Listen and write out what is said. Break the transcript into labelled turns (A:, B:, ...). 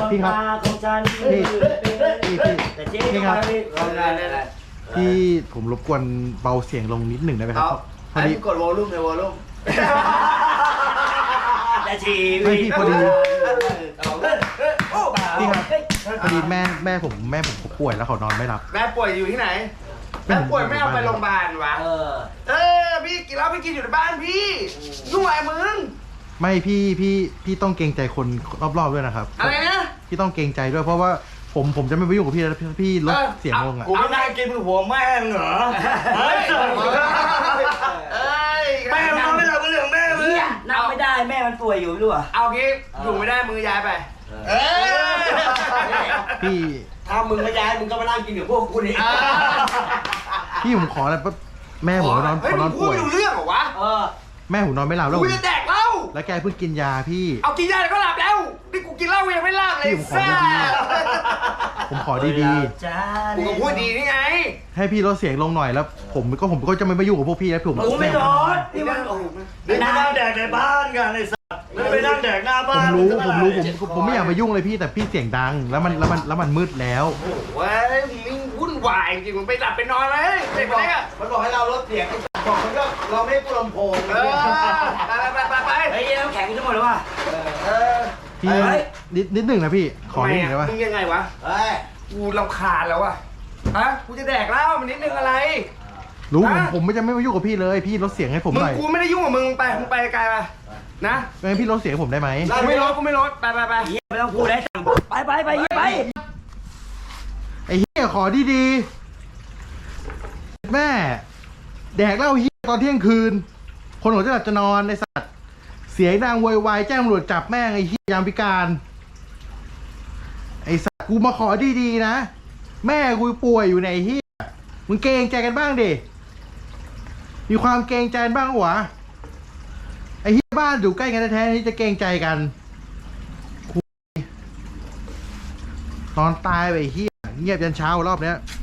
A: พี่ครับ
B: ของฉัน
A: พี่ครับพี่ผมรบกวนเบาเสียงลงนิดหนึ่งได้ไหมครับพอดี
C: กดวอลลุ่มเลยวอลลุ่ม
B: แต่ชี
A: ไม่
B: วิต
A: พี่พอดีพี่ครับ
B: เฮ้ย
A: พอดีแม่ผมเขาป่วยแล้วเขานอนไม่หลับ
C: แม่ป่วยอยู่ที่ไหนแม่ป่วยไม่เอาไปโรงพยาบาลวะพี่กินเหล้าพี่กินอยู่ในบ้านพี่นุ่งไอ้มึง
A: ไม่พี่ต้องเกรงใจคนรอบๆด้วยนะครับ
C: อะไรนะ
A: พี่ต้องเกรงใจด้วยเพราะว่าผมจะไม่ไปยุ่งกับพี่แล้วพี่ลดเสียงลงอ่ะ
B: กูไม่น่ากินหัวแม่งเหรอ
C: เฮ้ย
B: แม่มันไม่รับเรื่องแม่มึงนับไม่ได้แม่มันป่วยอยู่ไม่รู้อ่ะ
C: เอางี้อยู่ไม่ได้มือย้ายไป
A: พี่
B: ถ้ามึงไม่ย้ายมึงก็มานั่งกินกับพวกกูนี่
A: พี่ผมขออะไรแม่ผมนอน
C: เฮ้ย
A: เขาน
C: มึ
A: อน
C: งพูด
A: ป่วย
C: ไม่รู้เรื่องเหรอวะ
A: แม่ผมนอนไม่หลับแล้ว
C: กูจะแดกเหล้า
A: แล้วแกเพิ่งกินยาพี่
C: เอากินยาแล้วก็หลับแล้วนี่กูกินเหล้ายังไม่หลับเลย
A: พี่ผมขอดี
B: จ้า
C: กูก็พูดดีนี่ไง
A: ๆให้พี่ลดเสียงลงหน่อยแล้วผมก็จะไม่ไปยุ่งกับพวกพี่แล้วผม
B: กูไม่ร้อนนี่มันไม่นั่งแดกในบ้านกันไอ้สัสไม่ไปนั่งแดกหน้า
A: ผ
B: บ้าม น
A: รู้ผมไม่อยากไปยุ่งเลยพี่แต่พี่เสียงดังแล้วมันมืดแล้ว
C: โอ้โหเว้ยมึงวุ่นวายจริงมึงไปหลับไปนอนเลยเด็กคนนี้
D: มันบอกให้เราลดเสียงไอ้บอกมันก็เราไม่ให้กูลำโพง
C: ไป
B: เฮ้ยน้ำแข็งทั้งหมดเลยว่ะ
A: พี่นิดหนึ่งนะพี่ขอนิดหนึ่งได้ปะ
C: มึงยังไงวะ
D: เฮ้ย
C: กูรำคาญแล้วอะฮะกูจะแดกเหล้ามันนิดนึงอะไร
A: รู้
C: ฮะ
A: ผมไม่จะไม่ไปยุ่งกับพี่เลยพี่ลดเสียงให้ผม
C: มึ
A: ห
C: ง
A: น่อย
C: กูไม่ได้ยุ่งกับมึงไปไกลไปนะ
A: งั้นพี่ลดเสียงให้ผมได้ไหม
C: กูไม่ลดไป
B: ไม่ต้องพูดได้สั่งไปไปไปไป
A: ไอ้เหี้ยขอดีๆแม่แดกเหล้าเหี้ยตอนเที่ยงคืน คนหัวจะหลับจะนอนไอ้สัตว์เสียงดังโวยวายแจ้งตำรวจจับแม่งไอ้เหี้ยยามพิการไอ้สัตว์กูมาขอดีๆนะแม่กูป่วยอยู่ในไอ้เหี้ยมึงเกรงใจกันบ้างดิมีความเกรงใจบ้างวะไอ้เหี้ยบ้านอยู่ใกล้กันแท้ๆนี่จะเกรงใจกันนอนตายไปไอ้เหี้ยเงียบยันเช้ารอบเนี้ย